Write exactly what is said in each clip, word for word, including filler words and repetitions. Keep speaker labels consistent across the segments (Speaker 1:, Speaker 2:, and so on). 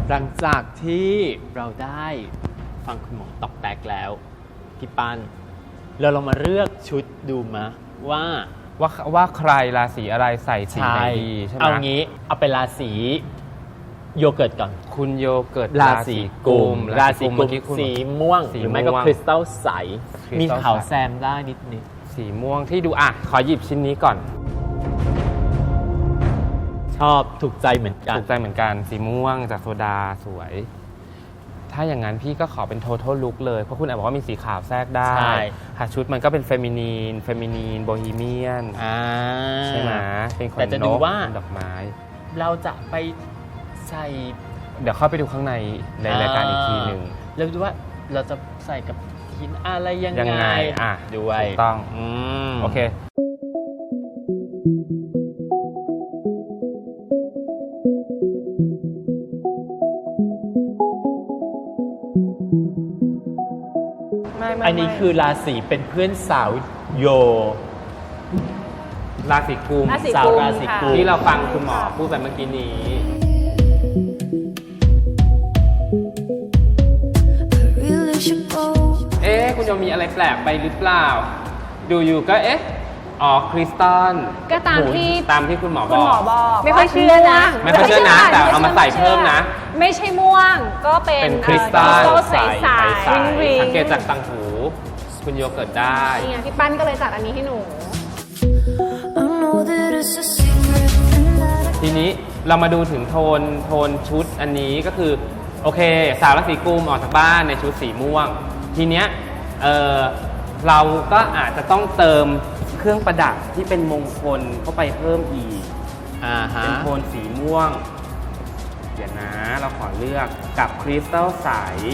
Speaker 1: หลังจากที่เราได้ฟังคุณหมอตอกแตกแล้วพี่ปันเราลองมาเลือกชุดดูมะว่า
Speaker 2: ว่าว่าใครราศีอะไรใส่สีไหนดีใช่ไหม
Speaker 1: เอางี้เอาเป็นราศีโยเกิร์ตก่อน
Speaker 2: คุณโยเกิร์ต
Speaker 1: ราศีกุมราศีกุมสีม่วงหรือไม่ก็คริสตัลใสมีขาวแซมได้นิดนิด
Speaker 2: สีม่วงที่ดูอ่ะขอหยิบชิ้นนี้ก่อน
Speaker 1: ชอบถูกใจเหมือนกัน
Speaker 2: ถูกใจเหมือนกันสีม่วงจากโซดาสวยถ้าอย่างนั้นพี่ก็ขอเป็น total look เลยเพราะคุณแอบบอกว่ามีสีขาวแทรกได้หาชุดมันก็เป็นเฟมินีนเฟมินีนโบฮีเมียนใช่ไหมเป็นขนนกแต่จะดูว่าดอกไม้
Speaker 1: เราจะไปใส่
Speaker 2: เดี๋ยวเข้าไปดูข้างในในรายการอีกทีหนึ่ง
Speaker 1: แล้วดูว่าเราจะใส่กับหินอะไรยังไง
Speaker 2: อ่ะ
Speaker 1: ด้วย
Speaker 2: ถูกต้องโอเค
Speaker 1: อันนี้คือราศีเป็นเพื่อนสาวโย
Speaker 2: ราศีกุม
Speaker 1: สาวราศีกุม
Speaker 2: ที่เราฟังคุณหมอพูดไปเมื่อกี้นี้เอ๊ะคุณโยมีอะไรแปลกไปหรือเปล่าดูอยู่ก็เอ๊ะอ๋อคริสตัล
Speaker 3: ก็ตามที่
Speaker 2: ตามที่คุณหมอ
Speaker 3: บอก
Speaker 2: ไม่
Speaker 3: ค่อยเชื่อนะ
Speaker 2: ไม่ค่อยเชื่อนะแต่เอามาใส่เพิ่มนะ
Speaker 3: ไม่ใช่ม่วงก็เป็น
Speaker 2: คริสตัล
Speaker 3: ใสใส
Speaker 2: สังเกตจากต่างหูคุณโยเกิร์ตได้
Speaker 3: นี่ไงพี่ปั้นก็เลยจัดอันนี้ให้หนู
Speaker 2: ทีนี้เรามาดูถึงโทนโทนชุดอันนี้ก็คือโอเคสาวราศีกุมออกจากบ้านในชุดสีม่วงทีเนี้ยเออเราก็อาจจะต้องเติมเครื่องประดับที่เป็นมงคลเข้าไปเพิ่มอีก
Speaker 1: อ่าฮะ
Speaker 2: เป็นโทนสีม่วงเดี๋ยวนะเราขอเลือกกับคริสตัลใส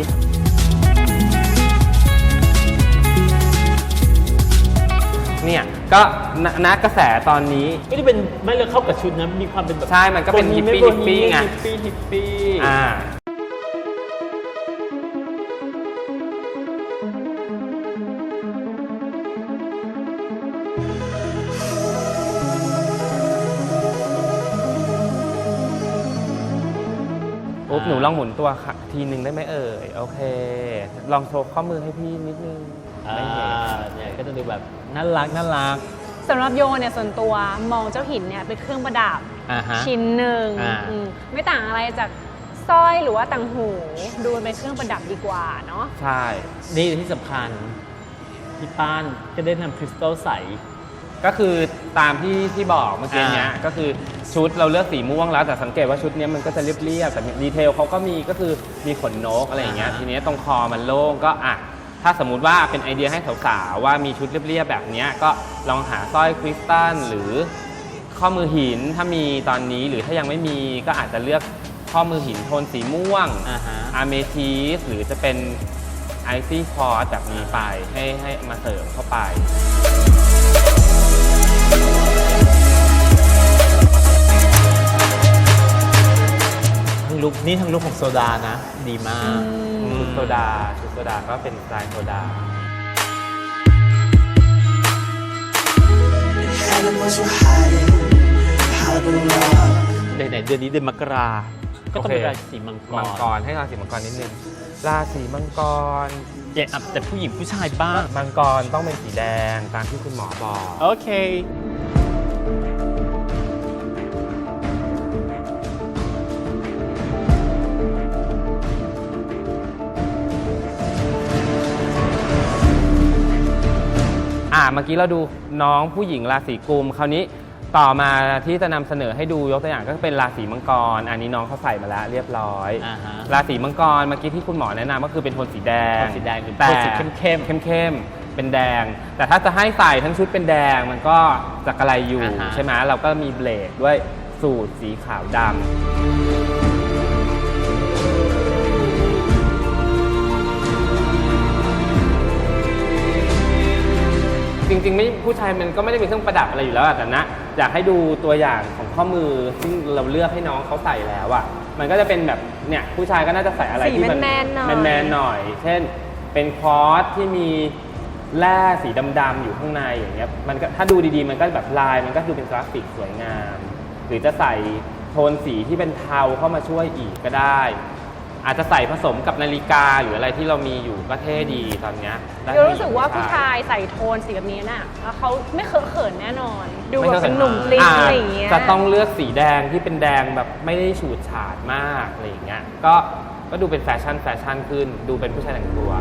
Speaker 2: เนี่ยก็นักกระแสตอนนี้
Speaker 1: ไม่ได้เป็นไม่เลยเข้ากับชุดนะมีความเป็นแบบ
Speaker 2: ใช่มันก็เป็นฮิปปี้ฮิปปี้ไง
Speaker 1: ฮิปปี้ฮิปปี้
Speaker 2: อ่าอุ๊บหนูลองหมุนตัวทีนึงได้ไหมเอ่ยโอเคลองโชว์ข้อมือให้พี่นิดนึง
Speaker 1: ไม่เห็นเนี่ยก็จะดูแบบน่ารักน่ารัก
Speaker 3: สำหรับโยเนี่ยส่วนตัวมองเจ้าหินเนี่ยเป็นเครื่องประดับชิ้นหนึ่งไม่ต่างอะไรจากสร้อยหรือว่าต่างหูดูเป็นเครื่องประดับดีกว่าเนาะ
Speaker 2: ใช่
Speaker 1: นี่ที่สำคัญพี่ป้านก็ได้นำคริสตัลใส
Speaker 2: ก็คือตามที่ที่บอกเมื่อกี้เนี้ยก็คือชุดเราเลือกสีม่วงแล้วแต่สังเกตว่าชุดนี้มันก็จะเรียบๆแต่ดีเทลเขาก็มีก็คือมีขนนกอะไรอย่างเงี้ยทีนี้ตรงคอมันโล่งก็อ่ะถ้าสมมุติว่าเป็นไอเดียให้สาวๆว่ามีชุดเรียบๆแบบนี้ก็ลองหาสร้อยคริสตัลหรือข้อมือหินถ้ามีตอนนี้หรือถ้ายังไม่มีก็อาจจะเลือกข้อมือหินโทนสีม่วงอะเมทิสหรือจะเป็นไอซี่คอร์สแบบนี้ไปให้ให้มาเสริมเข้าไป
Speaker 1: ทั้งลุคนี่ทั้งลุคของโซดานะดีมาก
Speaker 2: ชุดโซดาชุดโซดาก็เป็นสไตล์โซดา
Speaker 1: ไหนๆเดือนนี้เดือนมกราก็ต้องเป็นราศีมังกร
Speaker 2: มังกรให้ราศีมังกรนิดนึงราศีมังกร
Speaker 1: เจ็บแต่ผู้หญิงผู้ชายบ้าง
Speaker 2: มังกรต้องเป็นสีแดงตามที่คุณหมอบอก
Speaker 1: โอเค
Speaker 2: อ่าเมื่อกี้เราดูน้องผู้หญิงราศีกุมคราวนี้ต่อมาที่จะนำเสนอให้ดูยกตัวอย่างก็เป็นราศีมังกรอันนี้น้องเขาใส่มาแล้วเรียบร้อยราศีมังกรเมื่อกี้ที่คุณหมอแนะนำก็คือเป็นโทนสีแดง
Speaker 1: สีแดงคือ
Speaker 2: โท
Speaker 1: นสีเข้มเข้ม
Speaker 2: เข้มเข้มเป็นแดงแต่ถ้าจะให้ใส่ทั้งชุดเป็นแดงมันก็จะกระไรอยู่ใช่ไหมเราก็มีเบลดด้วยสูทสีขาวดำจริงๆไม่ผู้ชายมันก็ไม่ได้มีเครื่องประดับอะไรอยู่แล้วแต่นะอยากให้ดูตัวอย่างของข้อมือซึ่งเราเลือกให้น้องเขาใส่แล้วอ่ะมันก็จะเป็นแบบเนี่ยผู้ชายก็น่าจะใส่อะไรที่มันแมนๆหน่อยเช่นเป็นคอร์สที่มีแร่สีดำๆอยู่ข้างในอย่างเงี้ยมันก็ถ้าดูดีๆมันก็แบบลายมันก็ดูเป็นกราฟิกสวยงามหรือจะใส่โทนสีที่เป็นเทาเข้ามาช่วยอีกก็ได้อาจจะใส่ผสมกับนาฬิกาหรืออะไรที่เรามีอยู่ก็เท่ดีตอนเนี้ยได้
Speaker 3: เดี๋ยวรู้สึกว่าผู้ชายใส่โทนสีแบบนี้น่ะแล้วเขาไม่เคอะเขินแน่นอน ดูแบบเป็นหนุ่มกลิ้งอะไรอย่างเงี้ย
Speaker 2: จะต้องเลือกสีแดงที่เป็นแดงแบบไม่ได้ฉูดฉาดมากอะไรอย่างเงี้ยก็ก็ดูเป็นแฟชั่นแฟชั่นขึ้นดูเป็นผู้ชายแต่งตัว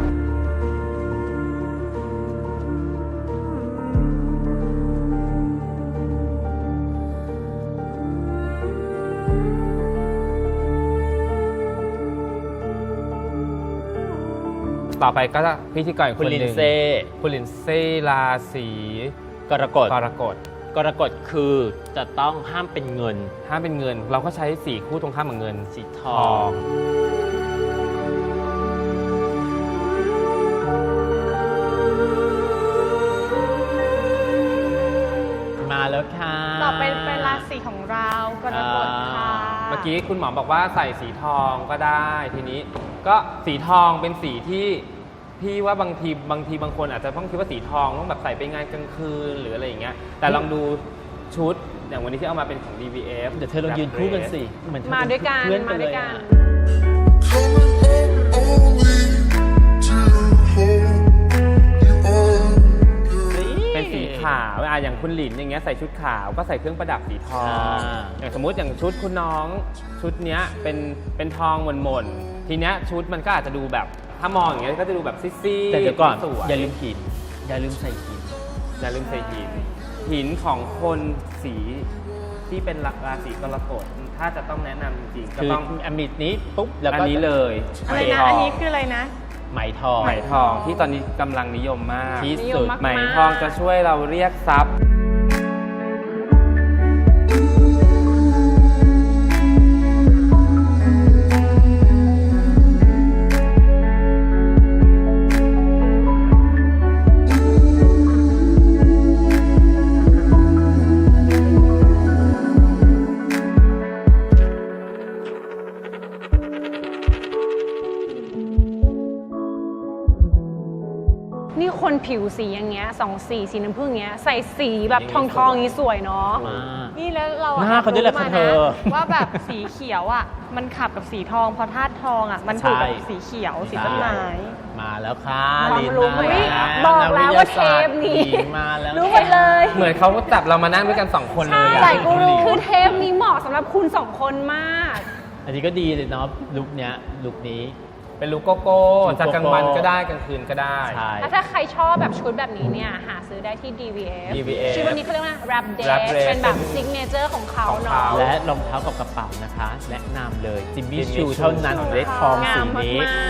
Speaker 2: ต่อไปก็พิธีกรอีก
Speaker 1: คุ
Speaker 2: ค
Speaker 1: ณ
Speaker 2: นห
Speaker 1: ลิน
Speaker 2: นึ่ง
Speaker 1: เซ่
Speaker 2: คุณลินเซ่ราศี
Speaker 1: กรกฎ
Speaker 2: กรกฎ
Speaker 1: กรกฎคือจะต้องห้ามเป็นเงิน
Speaker 2: ห้ามเป็นเงิน เราก็ใช้สีคู่ตรงข้ามกับเงิน
Speaker 1: สีท
Speaker 2: ท
Speaker 1: อ
Speaker 2: อง ง
Speaker 1: มาแล้วค่ะ
Speaker 3: ต่อไปเป็นราศีของเรากรกฎค่ะ
Speaker 2: เมื่อกี้คุณหมอบอกว่าใส่สีทองก็ได้ทีนี้ก็สีทองเป็นสีที่พี่ว่าบางทีบางทีบางคนอาจจะต้องคิดว่าสีทองต้องแบบใส่ไปงานกลางคืนหรืออะไรอย่างเงี้ยแต่ลองดูชุดอย่างวันนี้ที่เอามาเป็นของ ดี วี เอฟ
Speaker 1: เดี๋ยวเธอลองยืนคู่กันสิเหมือนเธอ
Speaker 3: มาด้วยกัน
Speaker 1: เพื่อน
Speaker 3: มาด้วยกัน
Speaker 1: เลยอะ
Speaker 2: เป็นสีขาวอ่ะอย่างคุณหลินอย่างเงี้ยใส่ชุดขาวก็ใส่เครื่องประดับสีทอง
Speaker 1: อ่า
Speaker 2: อย่างสมมุติอย่างชุดคุณน้องชุดเนี้ยเป็นเป็นทองหม่นๆทีเนี้ยชุดมันก็อาจจะดูแบบถ้ามองอย่างเงี้ยก็จะดูแบบซีดๆ
Speaker 1: แต่เดี๋ยวก่อน
Speaker 2: สวย
Speaker 1: อย่าลืมหินอย่าลืมใส่หิน
Speaker 2: อย่าลืมใส่หินหินของคนสีที่เป็นราศีกรกฎถ้าจะต้องแนะนำจริงๆก็
Speaker 1: คือ
Speaker 2: ต้อง
Speaker 1: อมิดนี้ปุ๊บแล้ว
Speaker 2: อัน
Speaker 1: ก็
Speaker 2: นี้เลย
Speaker 3: อะไร
Speaker 2: ไหม
Speaker 3: นะ
Speaker 2: ทอ
Speaker 3: อัน
Speaker 2: ง
Speaker 3: นี้คืออะไรนะ
Speaker 1: ไหมทอง
Speaker 2: ไหมทองที่ตอนนี้กำลังนิยมมาก
Speaker 1: ที่
Speaker 3: นิย
Speaker 1: สุ
Speaker 3: ม
Speaker 1: ด
Speaker 3: มาก
Speaker 2: ไหมทองจะช่วยเราเรียกทรัพย์
Speaker 3: นี่คนผิวสีอย่างเงี้ยสองสีสีน้ำผึ้งเงี้ยใส่สีแบบทองทองๆนี้สวยเนาะ
Speaker 1: มาก
Speaker 4: นี่แล้วเรา
Speaker 1: หน้าเขาด้วยแหละ
Speaker 4: รู้
Speaker 1: ค่ะ
Speaker 4: มา
Speaker 1: เธ
Speaker 4: นะ
Speaker 1: อ
Speaker 4: ว่าแบบสีเขียวอ่ะมันขับกับสีทองเพราะธาตุทองอ่ะมันถูกกับสีเขียวสีต้นไม้
Speaker 1: มาแล้วค่ะ
Speaker 3: ความ
Speaker 1: ลิน
Speaker 3: รู้
Speaker 1: มา
Speaker 3: ไหม
Speaker 1: แล้ว
Speaker 3: บอกแล้วว่าเทปนี้
Speaker 1: กวิทยาศาสตร์หญิงมาแล้ว
Speaker 3: รู้หมดเลย
Speaker 2: เหมือนเขาจับเรามานั่งด้วยกันสองคนเลยอะ
Speaker 3: ใช่กูรู้คือเทปนี้เหมาะสำหรับคุณสองคนมาก
Speaker 1: อันนี้ก็ดีเลยเนาะลุคเนี้ยลุคนี้
Speaker 2: เป็นลูกโกโก้
Speaker 1: ลูกโกโก้
Speaker 2: จะกลางวันก็ได้กลางคืนก็ได้
Speaker 1: ใช่
Speaker 3: แล้วถ้าใครชอบแบบชุดแบบนี้เนี่ย หาซื้อได้ที่ ดี วี เอฟ
Speaker 2: ดี วี เอฟ
Speaker 3: ชุดวันนี้เขาเรียกว่า wrap dress
Speaker 2: wrap dress
Speaker 3: เป็นแบบซิกเนเจอร์ของเขา
Speaker 2: ของ
Speaker 3: เนาะ
Speaker 2: เขา
Speaker 1: และรองเท้ากับกระเป๋านะคะ แนะนำเลยจิมมี่
Speaker 2: Jimmy
Speaker 1: ชู
Speaker 2: Choo
Speaker 1: เท่านั้นได้ทอง
Speaker 3: งา
Speaker 1: สี
Speaker 3: ม
Speaker 1: นี้
Speaker 3: มาก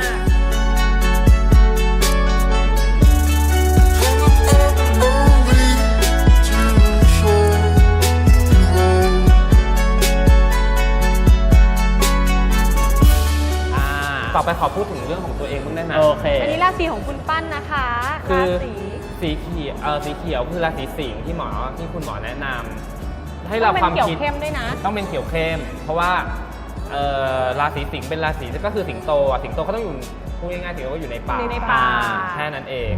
Speaker 1: อ่า
Speaker 2: ต่อไปขอพูดถึงเรื่องของตัวเองบ้างได้ไหม
Speaker 1: โอเค
Speaker 4: อันนี้ราศีของคุณปั้นนะคะ
Speaker 2: คื
Speaker 4: รา
Speaker 2: อ
Speaker 4: ศี
Speaker 2: สีเขียวเออสีเขียวคือราศีสิงห์ที่หมอที่คุณหมอแนะนำให้
Speaker 4: ต้
Speaker 2: เรา
Speaker 4: องเป็
Speaker 2: ความ
Speaker 4: นเขียว
Speaker 2: คิด
Speaker 4: เข้มด้วยนะ
Speaker 2: ต้องเป็นเขียวเข้ม เพราะว่าเอ่อราศีสิงห์เป็นราศีก็คือสิงโตอ่ะสิงโตเขาต้องอยู่พูดง่ายๆสิงโตก็อยู่ในป่า
Speaker 3: อยู่ในป่า
Speaker 2: แค่นั้นเอง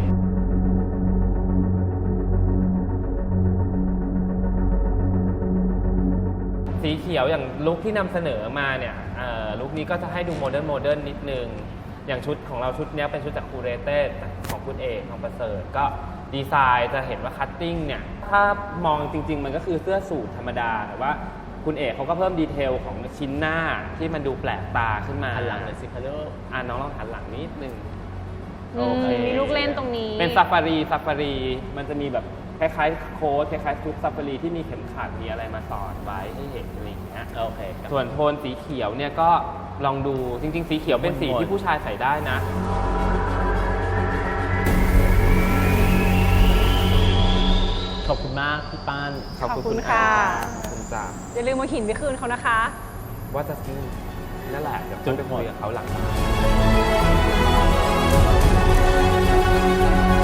Speaker 2: สีเขียวอย่างลุคที่นำเสนอมาเนี่ยเอ่อลุคนี้ก็จะให้ดูโมเดิร์นโมเดิร์นนิดนึง อย่างชุดของเราชุดเนี้ยเป็นชุดจากคูเรเต้ของคุณเอกของประเสริฐก็ดีไซน์จะเห็นว่าคัตติ้งเนี่ยถ้ามองจริง ๆ มันก็คือเสื้อสูทธรรมดาแต่ว่าคุณเอกเขาก็เพิ่มดีเทลของชิ้นหน้าที่มันดูแปลกตาขึ้นมา
Speaker 1: หันหลังเลยสิคะลูก
Speaker 2: อ่ะน้องลองหันหลังนิดนึง
Speaker 3: อื
Speaker 2: โอ
Speaker 3: ม
Speaker 2: เค
Speaker 3: มีลูกเล่นตรงนี้
Speaker 2: เป็นซาฟารีซาฟารีมันจะมีแบบคล้ายๆโค้ทคล้ายๆชุดซาฟารีที่มีเข็มขัดมีอะไรมาสอดไว้ให้เห็นอะไรอย่างเงี้ย
Speaker 1: โอเคครับ
Speaker 2: ส่วนโทนสีเขียวเนี่ยก็ลองดูจริง ๆ สีเขียวเป็นสี
Speaker 1: มนๆ
Speaker 2: ที่ผู้ชายใส่ได้นะ
Speaker 1: ขอบคุณมากพี่ป้าน
Speaker 3: ขอบคุณค่ะ
Speaker 2: ขอบคุณจ้า
Speaker 3: อย่าลืมมาหินไปคืนเขานะคะ
Speaker 2: ว่าจะซื้อนั่นแหละเดี๋ยว
Speaker 1: จุ๊
Speaker 2: จะ
Speaker 1: บ
Speaker 2: ไปคุยกับเขาหลัง